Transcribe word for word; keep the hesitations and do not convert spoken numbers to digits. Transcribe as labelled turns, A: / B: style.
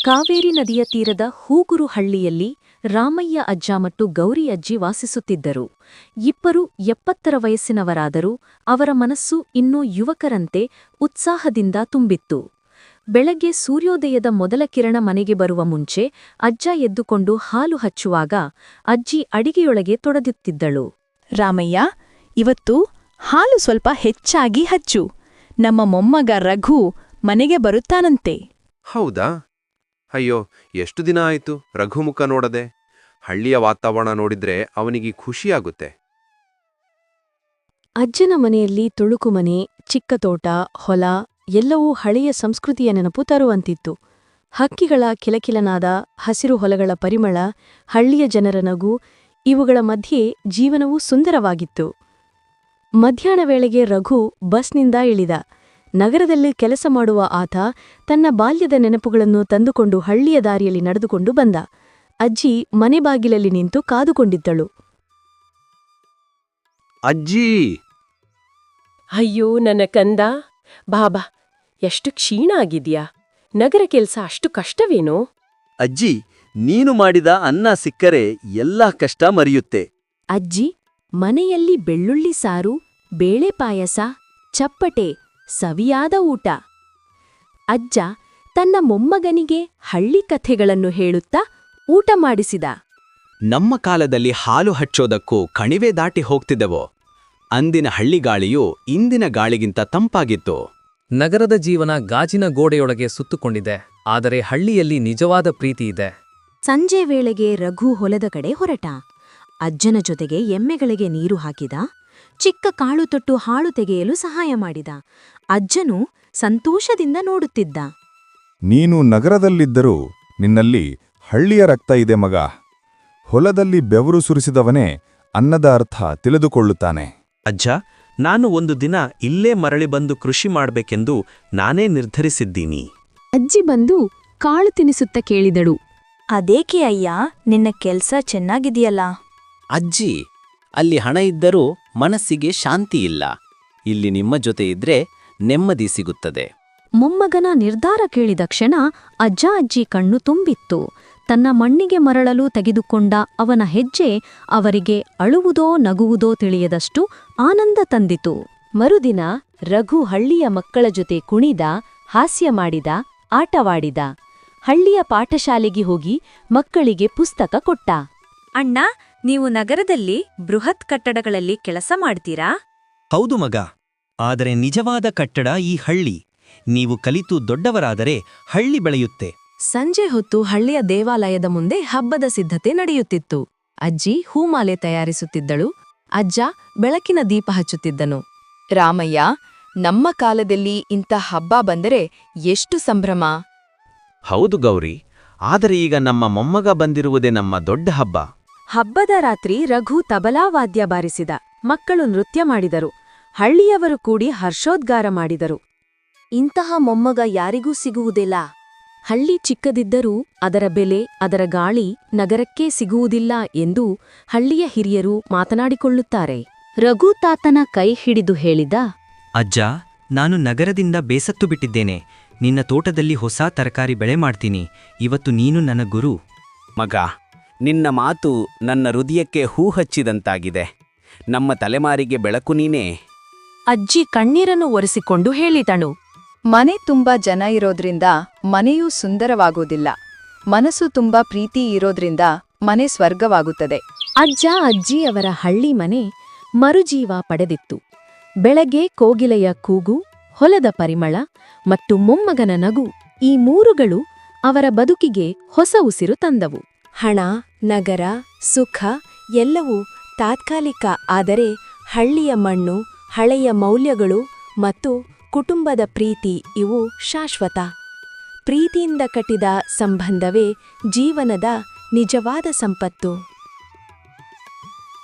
A: ಕಾವೇರಿ ನದಿಯ ತೀರದ ಹೂಗುರು ಹಳ್ಳಿಯಲ್ಲಿ ರಾಮಯ್ಯ ಅಜ್ಜ ಮತ್ತು ಗೌರಿ ಅಜ್ಜಿ ವಾಸಿಸುತ್ತಿದ್ದರು. ಇಬ್ಬರು ಎಪ್ಪತ್ತರ ವಯಸ್ಸಿನವರಾದರೂ ಅವರ ಮನಸ್ಸು ಇನ್ನೂ ಯುವಕರಂತೆ ಉತ್ಸಾಹದಿಂದ ತುಂಬಿತ್ತು. ಬೆಳಗ್ಗೆ ಸೂರ್ಯೋದಯದ ಮೊದಲ ಕಿರಣ ಮನೆಗೆ ಬರುವ ಮುಂಚೆ ಅಜ್ಜ ಎದ್ದುಕೊಂಡು ಹಾಲು ಹಚ್ಚುವಾಗ ಅಜ್ಜಿ ಅಡಿಗೆಯೊಳಗೆ ತೊಡಗುತ್ತಿದ್ದಳು.
B: ರಾಮಯ್ಯ, ಇವತ್ತು ಹಾಲು ಸ್ವಲ್ಪ ಹೆಚ್ಚಾಗಿ ಹಚ್ಚು. ನಮ್ಮ ಮೊಮ್ಮಗ ರಘು ಮನೆಗೆ ಬರುತ್ತಾನಂತೆ.
C: ಹೌದಾ? ಅಯ್ಯೋ, ಎಷ್ಟು ದಿನ ಆಯಿತು ರಘುಮುಖ ನೋಡದೆ. ಹಳ್ಳಿಯ ವಾತಾವರಣ ನೋಡಿದ್ರೆ ಅವನಿಗೆ ಖುಷಿಯಾಗುತ್ತೆ.
A: ಅಜ್ಜನ ಮನೆಯಲ್ಲಿ ತುಳುಕು ಮನೆ, ಚಿಕ್ಕ ತೋಟ, ಹೊಲ ಎಲ್ಲವೂ ಹಳೆಯ ಸಂಸ್ಕೃತಿಯ ನೆನಪು ತರುವಂತಿತ್ತು. ಹಕ್ಕಿಗಳ ಕಿಲಕಿಲನಾದ, ಹಸಿರು ಹೊಲಗಳ ಪರಿಮಳ, ಹಳ್ಳಿಯ ಜನರ ನಗು, ಇವುಗಳ ಮಧ್ಯೆ ಜೀವನವೂ ಸುಂದರವಾಗಿತ್ತು. ಮಧ್ಯಾಹ್ನ ವೇಳೆಗೆ ರಘು ಬಸ್ನಿಂದ ಇಳಿದ. ನಗರದಲ್ಲಿ ಕೆಲಸ ಮಾಡುವ ಆತ ತನ್ನ ಬಾಲ್ಯದ ನೆನಪುಗಳನ್ನು ತಂದುಕೊಂಡು ಹಳ್ಳಿಯ ದಾರಿಯಲ್ಲಿ ನಡೆದುಕೊಂಡು ಬಂದ. ಅಜ್ಜಿ ಮನೆ ಬಾಗಿಲಲ್ಲಿ ನಿಂತು ಕಾದುಕೊಂಡಿದ್ದಳು.
C: ಅಜ್ಜಿ!
D: ಅಯ್ಯೋ ನನ್ನ ಕಂದ, ಬಾಬಾ, ಎಷ್ಟು ಕ್ಷೀಣ ಆಗಿದ್ಯಾ? ನಗರ ಕೆಲ್ಸ ಅಷ್ಟು ಕಷ್ಟವೇನೋ?
E: ಅಜ್ಜಿ, ನೀನು ಮಾಡಿದ ಅನ್ನ ಸಿಕ್ಕರೆ ಎಲ್ಲಾ ಕಷ್ಟ ಮರೆಯುತ್ತೆ.
A: ಅಜ್ಜಿ, ಮನೆಯಲ್ಲಿ ಬೆಳ್ಳುಳ್ಳಿ ಸಾರು, ಬೇಳೆ ಪಾಯಸ, ಚಪ್ಪಟೆ, ಸವಿಯಾದ ಊಟ. ಅಜ್ಜ ತನ್ನ ಮೊಮ್ಮಗನಿಗೆ ಹಳ್ಳಿ ಕಥೆಗಳನ್ನು ಹೇಳುತ್ತಾ ಊಟ ಮಾಡಿಸಿದ.
F: ನಮ್ಮ ಕಾಲದಲ್ಲಿ ಹಾಲು ಹಚ್ಚೋದಕ್ಕೂ ಕಣಿವೆ ದಾಟಿ ಹೋಗ್ತಿದ್ದೆವೋ. ಅಂದಿನ ಹಳ್ಳಿಗಾಳಿಯು ಇಂದಿನ ಗಾಳಿಗಿಂತ ತಂಪಾಗಿತ್ತು.
G: ನಗರದ ಜೀವನ ಗಾಜಿನ ಗೋಡೆಯೊಳಗೆ ಸುತ್ತುಕೊಂಡಿದೆ, ಆದರೆ ಹಳ್ಳಿಯಲ್ಲಿ ನಿಜವಾದ ಪ್ರೀತಿ ಇದೆ.
A: ಸಂಜೆ ವೇಳೆಗೆ ರಘು ಹೊಲದ ಕಡೆ ಹೊರಟ. ಅಜ್ಜನ ಜೊತೆಗೆ ಎಮ್ಮೆಗಳಿಗೆ ನೀರು ಹಾಕಿದ. ಚಿಕ್ಕ ಕಾಳು ತೊಟ್ಟು ಹಾಳು ತೆಗೆಯಲು ಸಹಾಯ ಮಾಡಿದ. ಅಜ್ಜನು ಸಂತೋಷದಿಂದ ನೋಡುತ್ತಿದ್ದ.
H: ನೀನು ನಗರದಲ್ಲಿದ್ದರೂ ನಿನ್ನಲ್ಲಿ ಹಳ್ಳಿಯ ರಕ್ತ ಇದೆ ಮಗ. ಹೊಲದಲ್ಲಿ ಬೆವರು ಸುರಿಸಿದವನೇ ಅನ್ನದ ಅರ್ಥ ತಿಳಿದುಕೊಳ್ಳುತ್ತಾನೆ.
E: ಅಜ್ಜ, ನಾನು ಒಂದು ದಿನ ಇಲ್ಲೇ ಮರಳಿ ಬಂದು ಕೃಷಿ ಮಾಡ್ಬೇಕೆಂದು ನಾನೇ ನಿರ್ಧರಿಸಿದ್ದೀನಿ.
A: ಅಜ್ಜಿ ಬಂದು ಕಾಳು ತಿನಿಸುತ್ತ ಕೇಳಿದಳು.
B: ಅದೇಕೆ ಅಯ್ಯ, ನಿನ್ನ ಕೆಲ್ಸ ಚೆನ್ನಾಗಿದೆಯಲ್ಲ?
I: ಅಜ್ಜಿ, ಅಲ್ಲಿ ಹಣ ಇದ್ದರೂ ಮನಸ್ಸಿಗೆ ಶಾಂತಿ ಇಲ್ಲ. ಇಲ್ಲಿ ನಿಮ್ಮ ಜೊತೆ ಇದ್ರೆ ನೆಮ್ಮದಿ ಸಿಗುತ್ತದೆ.
A: ಮೊಮ್ಮಗನ ನಿರ್ಧಾರ ಕೇಳಿದ ಕ್ಷಣ ಅಜ್ಜ ಅಜ್ಜಿ ಕಣ್ಣು ತುಂಬಿತ್ತು. ತನ್ನ ಮಣ್ಣಿಗೆ ಮರಳಲು ತೆಗೆದುಕೊಂಡ ಅವನ ಹೆಜ್ಜೆ ಅವರಿಗೆ ಅಳುವುದೋ ನಗುವುದೋ ತಿಳಿಯದಷ್ಟು ಆನಂದ ತಂದಿತು. ಮರುದಿನ ರಘು ಹಳ್ಳಿಯ ಮಕ್ಕಳ ಜೊತೆ ಕುಣಿದ, ಹಾಸ್ಯ ಮಾಡಿದ, ಆಟವಾಡಿದ. ಹಳ್ಳಿಯ ಪಾಠಶಾಲೆಗೆ ಹೋಗಿ ಮಕ್ಕಳಿಗೆ ಪುಸ್ತಕ ಕೊಟ್ಟ.
B: ಅಣ್ಣ, ನೀವು ನಗರದಲ್ಲಿ ಬೃಹತ್ ಕಟ್ಟಡಗಳಲ್ಲಿ ಕೆಲಸ ಮಾಡ್ತೀರಾ?
E: ಹೌದು ಮಗ, ಆದರೆ ನಿಜವಾದ ಕಟ್ಟಡ ಈ ಹಳ್ಳಿ. ನೀವು ಕಲಿತು ದೊಡ್ಡವರಾದರೆ ಹಳ್ಳಿ ಬೆಳೆಯುತ್ತೆ.
A: ಸಂಜೆ ಹೊತ್ತು ಹಳ್ಳಿಯ ದೇವಾಲಯದ ಮುಂದೆ ಹಬ್ಬದ ಸಿದ್ಧತೆ ನಡೆಯುತ್ತಿತ್ತು. ಅಜ್ಜಿ ಹೂಮಾಲೆ ತಯಾರಿಸುತ್ತಿದ್ದಳು. ಅಜ್ಜ ಬೆಳಕಿನ ದೀಪ ಹಚ್ಚುತ್ತಿದ್ದನು.
B: ರಾಮಯ್ಯ, ನಮ್ಮ ಕಾಲದಲ್ಲಿ ಇಂಥ ಹಬ್ಬ ಬಂದರೆ ಎಷ್ಟು ಸಂಭ್ರಮ!
E: ಹೌದು ಗೌರಿ, ಆದರೆ ಈಗ ನಮ್ಮ ಮೊಮ್ಮಗ ಬಂದಿರುವುದೇ ನಮ್ಮ ದೊಡ್ಡ ಹಬ್ಬ.
A: ಹಬ್ಬದ ರಾತ್ರಿ ರಘು ತಬಲಾ ವಾದ್ಯ ಬಾರಿಸಿದ. ಮಕ್ಕಳು ನೃತ್ಯ ಮಾಡಿದರು. ಹಳ್ಳಿಯವರು ಕೂಡಿ ಹರ್ಷೋದ್ಗಾರ ಮಾಡಿದರು. ಇಂತಹ ಮೊಮ್ಮಗ ಯಾರಿಗೂ ಸಿಗುವುದಿಲ್ಲ. ಹಳ್ಳಿ ಚಿಕ್ಕದಿದ್ದರೂ ಅದರ ಬೆಲೆ, ಅದರ ಗಾಳಿ ನಗರಕ್ಕೇ ಸಿಗುವುದಿಲ್ಲ ಎಂದು ಹಳ್ಳಿಯ ಹಿರಿಯರು ಮಾತನಾಡಿಕೊಳ್ಳುತ್ತಾರೆ. ರಘು ತಾತನ ಕೈ ಹಿಡಿದು ಹೇಳಿದ,
J: ಅಜ್ಜ, ನಾನು ನಗರದಿಂದ ಬೇಸತ್ತು ಬಿಟ್ಟಿದ್ದೇನೆ. ನಿನ್ನ ತೋಟದಲ್ಲಿ ಹೊಸ ತರಕಾರಿ ಬೆಳೆ ಮಾಡ್ತೀನಿ. ಇವತ್ತು ನೀನು ನನ್ನ ಗುರು.
I: ಮಗ, ನಿನ್ನ ಮಾತು ನನ್ನ ಹೃದಯಕ್ಕೆ ಹೂ ಹಚ್ಚಿದಂತಾಗಿದೆ. ನಮ್ಮ ತಲೆಮಾರಿಗೆ ಬೆಳಕು ನೀನೇ.
A: ಅಜ್ಜಿ ಕಣ್ಣೀರನ್ನು ಒರೆಸಿಕೊಂಡು ಹೇಳಿದಳು.
B: ಮನೆ ತುಂಬಾ ಜನ ಇರೋದ್ರಿಂದ ಮನೆಯೂ ಸುಂದರವಾಗುವುದಿಲ್ಲ. ಮನಸ್ಸು ತುಂಬಾ ಪ್ರೀತಿ ಇರೋದ್ರಿಂದ ಮನೆ ಸ್ವರ್ಗವಾಗುತ್ತದೆ.
A: ಅಜ್ಜ ಅಜ್ಜಿ ಅವರ ಹಳ್ಳಿ ಮನೆ ಮರುಜೀವ ಪಡೆದಿತ್ತು. ಬೆಳಗ್ಗೆ ಕೋಗಿಲೆಯ ಕೂಗು, ಹೊಲದ ಪರಿಮಳ ಮತ್ತು ಮೊಮ್ಮಗನ ನಗು, ಈ ಮೂರುಗಳು ಅವರ ಬದುಕಿಗೆ ಹೊಸ ಉಸಿರು ತಂದವು. ಹಣ, ನಗರ, ಸುಖ ಎಲ್ಲವೂ ತಾತ್ಕಾಲಿಕ. ಆದರೆ ಹಳ್ಳಿಯ ಮಣ್ಣು, ಹಳೆಯ ಮೌಲ್ಯಗಳು ಮತ್ತು ಕುಟುಂಬದ ಪ್ರೀತಿ ಇವು ಶಾಶ್ವತ. ಪ್ರೀತಿಯಿಂದ ಕಟ್ಟಿದ ಸಂಬಂಧವೇ ಜೀವನದ ನಿಜವಾದ ಸಂಪತ್ತು.